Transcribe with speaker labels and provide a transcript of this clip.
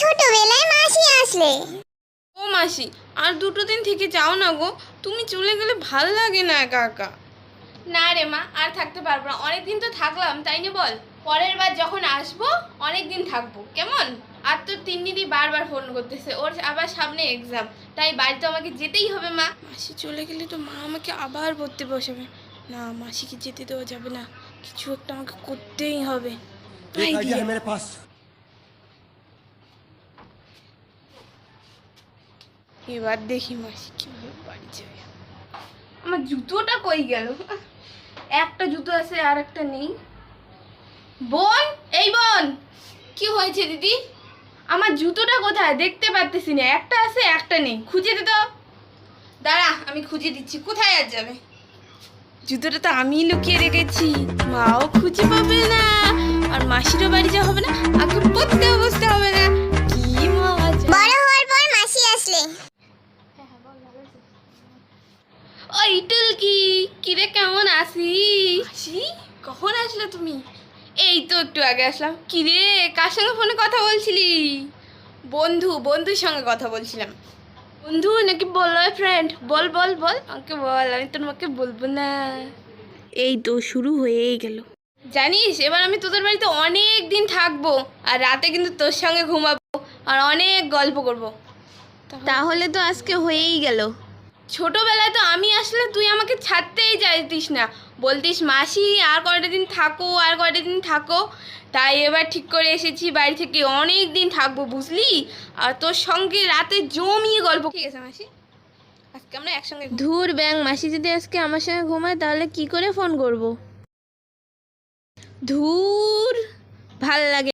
Speaker 1: ছোটবেলায় মাসি আসলে।
Speaker 2: ও মাসি, আর 2 দিন থেকে যাও না গো, তুমি চলে গেলে ভাল লাগে না একা একা। না রে মা, আর থাকতে পারবো না, অনেক দিন তো থাকলাম, তাই না বল? পরের বার যখন আসবো অনেক দিন থাকবো, কেমন? আর তোর তিন্নিদি বারবার ফোন করতেছে, ওর আবার সামনে এক্সাম, তাই বাড়ি তো আমাকে যেতেই হবে। মা, মাসি চলে গেলে তো মা আমাকে আবার পড়তে বসাবে। না, মাসিকে যেতে দেওয়া যাবে না, কিছু একটা আমাকে করতেই হবে।
Speaker 3: एक आइडिया है मेरे पास।
Speaker 2: এবার দেখি মাসি কিভাবে বাড়ি যাবে। আমার জুতোটা কই গেল? একটা জুতো আছে আর একটা নেই। বোন, এই বোন, কি হয়েছে দিদি? আমার জুতোটা কোথায় দেখতে পারতেছি না, একটা আছে একটা নেই, খুঁজে দে তো। দাঁড়া, আমি খুঁজে দিচ্ছি, কোথায় আর যাবে? জুতোটা তো আমি লুকিয়ে রেখেছি, মাও খুঁজে পাবে না, আর মাসিরও বাড়ি যাওয়া হবে না, আগে পড়তেও বসতে হবে না। কি মজা!
Speaker 1: বড় হওয়ার পর মাসি আসলে।
Speaker 2: ওই টুলকি, কিরে কেমন আছিস? মাসি, কখন আসলে তুমি? এই তো একটু আগে আসলাম। কিরে, কার সঙ্গে ফোনে কথা বলছিলি? বন্ধুর সঙ্গে কথা বলছিলাম। বন্ধু নাকি বয়ফ্রেন্ড? বল বল বল, আমাকে বল, আমি তোমাকে বলবো না। এই তো শুরু হয়েই গেল। জানিস, এবার আমি তোদের বাড়িতে অনেক দিন থাকবো, আর রাতে কিন্তু তোর সঙ্গে ঘুমাবো, আর অনেক গল্প করব। তাহলে তো আজকে হয়েই গেল। ছোটবেলায় তো আমি আসলে তুই আমাকে ছাড়তেই চাইতিস না, বলতিস মাসি আর কয়টা দিন থাকো, আর কয়টা দিন থাকো। তাই এবার ঠিক করে এসেছি, বাড়ি থেকে অনেক দিন থাকবো, বুঝলি? আর তোর সঙ্গে রাতে জমিয়ে গল্প। ঠিক আছে মাসি, আজকে আমরা একসঙ্গে। ধুর ব্যাং, মাসি যদি আজকে আমার সঙ্গে ঘুমায় তাহলে কি করে ফোন করব? ধুর, ভাল লাগে।